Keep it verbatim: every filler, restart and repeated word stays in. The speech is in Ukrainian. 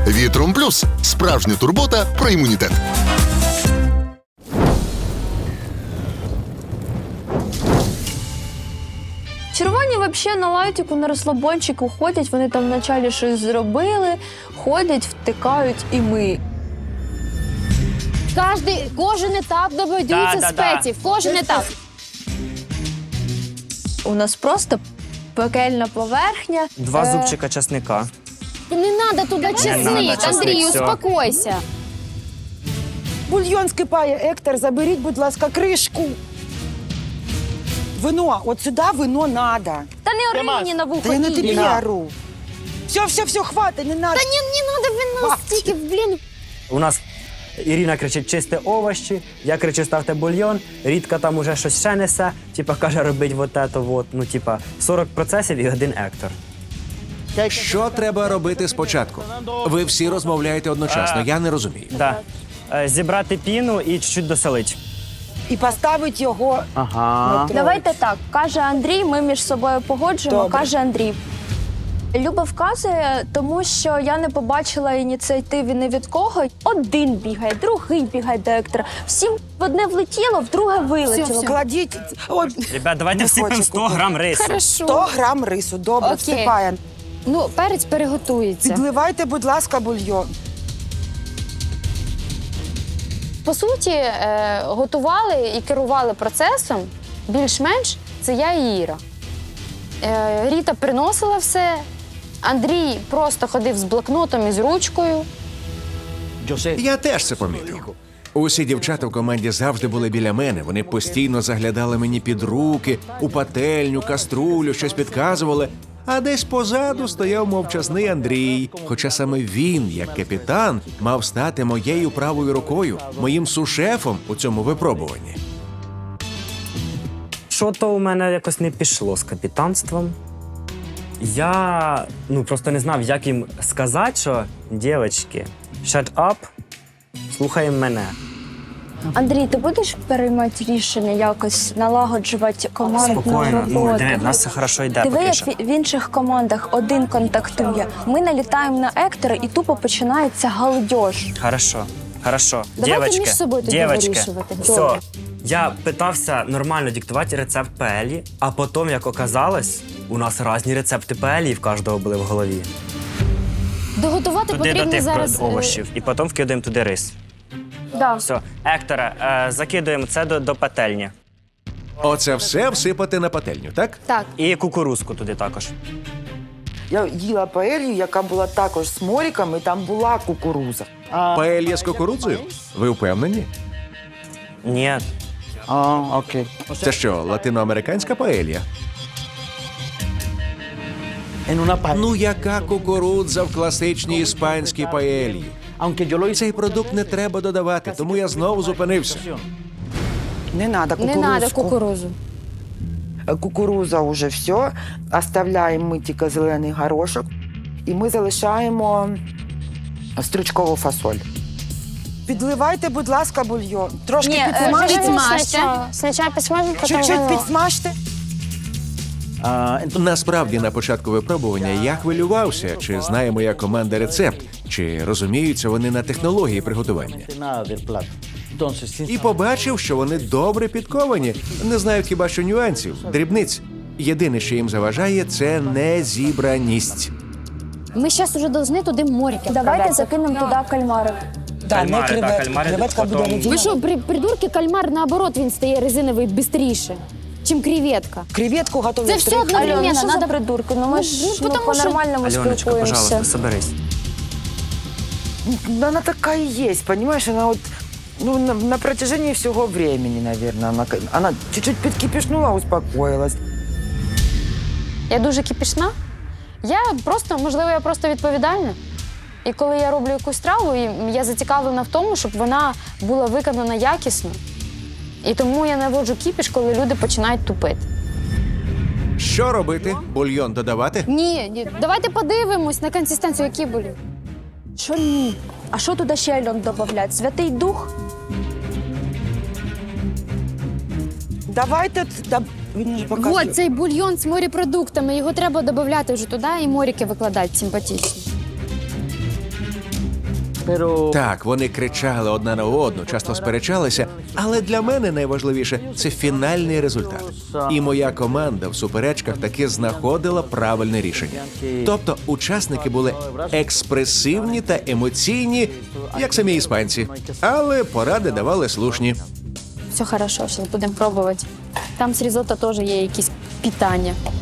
Вітром Плюс – справжня турбота про імунітет. Червоні взагалі на лайтику, на розслабончику ходять, вони там вначалі щось зробили, ходять, втикають і ми. Кожний, кожен етап добудується Да, да, да. спеців, кожен етап. У нас просто пекельна поверхня. Два Е, зубчика часника. Не треба туди чесник, надо чесник, Андрій, всьо. успокойся. Бульйон скипає, Ектор, заберіть, будь ласка, кришку. Вино, от сюди вино надо. Та не ори мені на вухо. Та я на ні. тобі ору. Все, все, все, хватить, не надо. Та не, не треба вино стільки, блін. У нас Ірина кричить чисти овочі, я кричу ставте бульйон, Рідка там уже щось ще несе, типа каже робить вот это вот, ну типа сорок процесів і один Ектор. Що треба робити спочатку? Ви всі розмовляєте одночасно, я не розумію. Да. Е, Зібрати піну і чуть-чуть досолити. І поставить його. Ага. Давайте так, каже Андрій, ми між собою погоджуємо, Добре. каже Андрій. Люба вказує, тому що я не побачила ініціативи ні від кого. Один бігає, другий бігає до Ектора. Всім в одне влетіло, в друге вилетіло. Кладіть. Ой, Ребят, давайте Не всипемо хочу. сто грам рису. Хорошо. сто грам рису, добре, Окей. всипає. Ну, перець переготується. Підливайте, будь ласка, бульйон. По суті, е, готували і керували процесом більш-менш це я і Іра. Е, Ріта приносила все, Андрій просто ходив з блокнотом і з ручкою. Я теж це помітив. Усі дівчата в команді завжди були біля мене. Вони постійно заглядали мені під руки, у пательню, каструлю, щось підказували. А десь позаду стояв мовчазний Андрій. Хоча саме він, як капітан, мав стати моєю правою рукою, моїм сушефом у цьому випробуванні. Що то у мене якось не пішло з капітанством. Я ну просто не знав, як їм сказати, що дівчатки, shut up, слухаємо мене. Андрій, ти будеш переймати рішення якось налагоджувати командну Спокійно, ну роботу? диви, в нас все хорошо йде Диви, поки як що. в в інших командах один контактує. Ми налітаємо на Ектора і тупо починається галдеж. Хорошо, хорошо. Давайте Дівочки, між собою тоді дівочки, вирішувати. все. Добре. Я питався нормально диктувати рецепт паелі, а потім, як оказалось, у нас різні рецепти паелі в кожного були в голові. Доготувати Туди до потрібно тих зараз. е, овочів. І потім вкидаємо туди рис. Да. Все. Ектора, е, закидуємо це до, до пательні. Оце все всипати на пательню, так? Так, І кукурузку туди також. Я їла паелью, яка була також з моріком, і там була кукуруза. Паелья з кукурудзою? Ви впевнені? Ні. А, окей. Це що, латиноамериканська паелья? En una paella. Ну яка кукурудза в класичній іспанській паельї? Aunque yo lo hice. Цей продукт не треба додавати, тому я знову зупинився. Не треба не кукурузку. треба кукурузу. Кукуруза вже все. Оставляємо ми тільки зелений горошок. І ми залишаємо стручкову фасоль. Підливайте, будь ласка, бульйон. Трошки Ні, е, підсмажте. Підсмажте. Спочатку підсмажте, потім Чуть-чуть вино. підсмажте. Ah, entonces, Насправді, на початку випробування я хвилювався, чи знає моя команда рецепт, чи розуміються вони на технології приготування. nada del plato. Entonces, sin І побачив, що вони добре підковані, не знають хіба що нюансів, дрібниць. Єдине, що їм заважає, це незібраність. Ми зараз вже повинні туди моріки. Давайте закинемо туди кальмари. Кальмари, так, кальмари. Креветка буде потім- водяна. Ви що, при, придурки, кальмар, наоборот, він стає резиновий швидше, чим креветка. Креветку готовлять Це все три одно- хвилини. Альона, що за Надо- придурки? Ну ми Ну, ж ну, ну, потому що- по-нормальному Альоночка, спілкуємося. пожалуйста, соберись. Ну, она такая и есть, понимаешь? Она вот ну, на, на протяжении всего времени, наверное. Она, она чуть-чуть подкипишнула, успокоилась. Я дуже кипішна. Я просто, можливо, я просто відповідальна. І коли я роблю якусь страву, і я зацікавлена в тому, щоб вона була виконана якісно. І тому я наводжу кіпіш, коли люди починають тупити. Що робити? Бульйон додавати? Ні, ні, давайте подивимось на консистенцію, які були. Що ні? А що туди ще Альон додавлять? Святий Дух? Давайте, да, він ж показує. От цей бульйон з морепродуктами, його треба додати вже туди і моріки викладати симпатичні. Pero Так, вони кричали одна на одну, часто сперечалися, але для мене найважливіше – це фінальний результат. І моя команда в суперечках таки знаходила правильне рішення. Тобто учасники були експресивні та емоційні, як самі іспанці, але поради давали слушні. Все хорошо, зараз будемо пробувати. Там з різотто теж є якісь питання.